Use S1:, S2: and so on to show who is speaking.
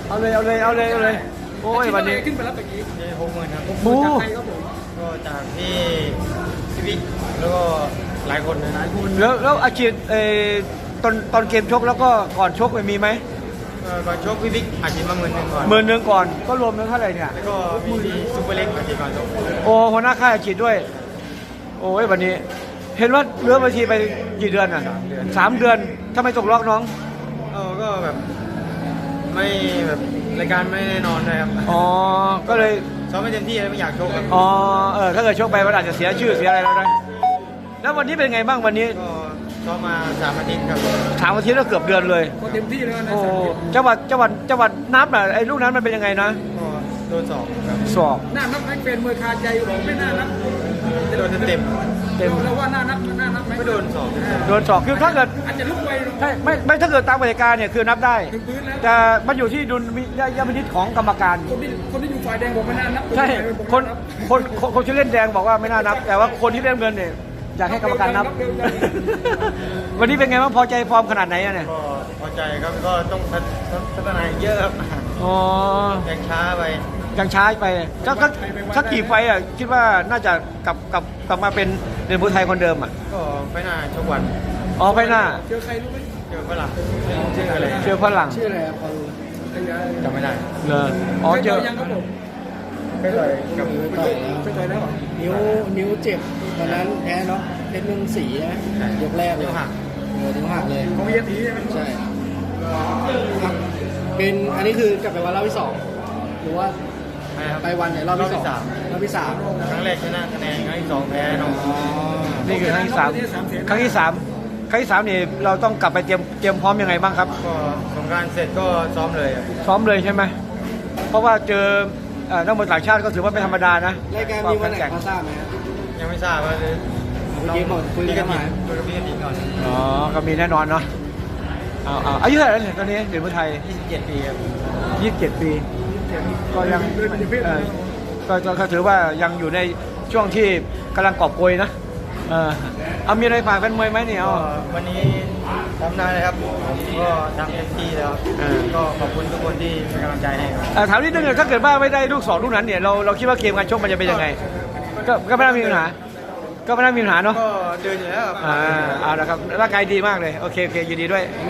S1: เอาเลยเอาเลยเอาเลยเอาเลยโอ้ยวันนี้
S2: ขึ้นไปแล้วตะกี้
S3: ได้60,000ครับ
S1: โอ้
S2: จากใครครับผม
S3: ก็จากที่ซีวิกแล้วก็หลายคนนะ
S1: แล้วอาชีพตอนเกมชกแล้วก็ก่อนชกมีไหม
S3: ก่อนชกพี่วิกอาชีพมา10,000ก่อน
S1: 10,000ก่อนก็รวมแล้วเท่าไหร่เนี่ย
S3: แล้วก็มีที่ซูเปอร์เล็กอาชีพก่อนชก
S1: โอ้หัวหน้าค่ายอาชีพด้วย โอ้ยวันนี้ เห็นว่าเลื่อนบัญชีไปกี่เดือนอ่ะ3 เดือนทำไมตกล็อกน้อง
S3: ก็แบบไม่แบบรายการไม่แน่นอนเลยครับ
S1: อ๋อก็เลย
S3: ซ้อมไม่เต็มที่เลยไม่อยากชกครับ
S1: อ๋อถ้าเกิดชกไปมันอาจจะเสียชื่อเสียอะไรแล้วนะแล้ววันนี้เป็นไงบ้างวันนี้
S3: ก็ซ้อมมา3 อาทิตย์ครับ
S1: 3 อาทิตย์แล้วเกือบเดือนเลย
S2: ก็เต็มที่แล้วนะ
S1: โอ้จังหวัดนับน่ะไอ้ลูกนั้นมันเป็นยังไงนะ
S3: ก็โดนสอบครับ
S1: สอบ
S2: หน้านับให้เป็นมวยคาใจบอกไม่น่านับ
S3: โดนเต็ม
S1: เต็ม
S2: แล้วว่าน่านับไหม
S3: ไม่โดนสอบ
S1: โดนสอบคือถ้าเกิด
S2: อาจจะลุกไป
S1: ไม่ถ้าเกิดตามกติกาเนี่ยคือนับได้
S2: ถึงพื้นแล้ว
S1: แต่มันอยู่ที่ดุลยพินิจของกรรมการ
S2: คนที่อยู่ฝ่ายแดงบอกไม่น่านับ
S1: ใช่คนที่เล่นแดงบอกว่าไม่น่านับ แต่ว่าคนที่เล่นเงินเนี่ยอยากให้กรรมการนับ วันนี้เป็นไงบ้างพอใจฟอร์มขนาดไหนอะเนี่ย
S3: ก็พอใจครับก็ต้องพัฒนาเยอะครับ
S1: อ๋อ
S3: ยังช้าไป
S1: ยังช้าไปสักกี่ไฟต์อ่ะคิดว่าน่าจะกลับมาเป็นเด่นผู้ไทยคนเดิมอ่ะ
S3: ก็ไม่น่าชกวัน
S1: อ๋อไฟหน้า
S2: เจอใครรู้ไหม
S3: เจอฝรั่งชื่ออะไร
S1: เจอฝรั่ง
S2: ชื่ออะไรพอรู้
S3: จำไม่ได้
S1: เลยอ๋อเจอ
S2: ยังครับผม
S3: ไม่ต่อยกับ
S2: เคยต่อยแล้ว
S4: นิ้วเจ็บตอนนั้นแพ้เนาะเพชรเมืองศรีนะยกแรกเลย
S3: หัก
S4: นิ้วหักเลย
S2: ของเยตีใช่ไหม
S4: ใช่ครับเป็นอันนี้คือกลับไปวันรอบที่ 2 หรือว่าไปวันไหนรอบที่ 2รอบที่ 3
S3: ครั้งแรกชนะคะแนนครั้งที่2แพ้น้อง
S1: นี่คือครั้งที่สามครั้งที่สามนี่เราต้องกลับไปเตรียมพร้อมยังไงบ้างครับ
S3: ก็สงกรารเสร็จก็ซ้อมเลยครับ
S1: ซ้อมเลยใช่ไหมเพราะว่าเจอนักมวยต่างชาติก็ถือว่าไม่ธรรมดานะ
S4: รายการมีวันไหนพอทราบไหมครับ
S3: ยังไม่ทราบว่า
S4: เมื่อกี้บอกคุยกันมา
S3: คุยกับพี่กติกก่อน
S1: อ๋อก็มีแน่นอนเนาะเอาอายุเท่าไหร่แล้วเนี่ยตอนนี้เด่นผู้ไทย
S3: 27 ปีครับ
S1: 27 ปี ก็ยังก็ถือว่ายังอยู่ในช่วงที่กำลังกอบโกยนะเอามีอะไรฝากแฟนมวยไหมเนี่ย
S3: ก็วันนี้ทำได้เลยครับผมก็ทำเต็มที่แล้วก็ขอบคุณทุกคนที่เป็นกำลังใจให้ครับ
S1: ถามนิดนึงถ้าเกิดว่าไม่ได้ลูก2ลูกนั้นเนี่ยเราคิดว่าเกมการชกมันจะเป็นยังไงก็ไม่น่ามีปัญหาก็ไม่น่ามีปัญหาเนาะ
S3: ก็เดินอยู่แล้วครับ
S1: เอาละครับร่างกายดีมากเลยโอเคยินดีด้วย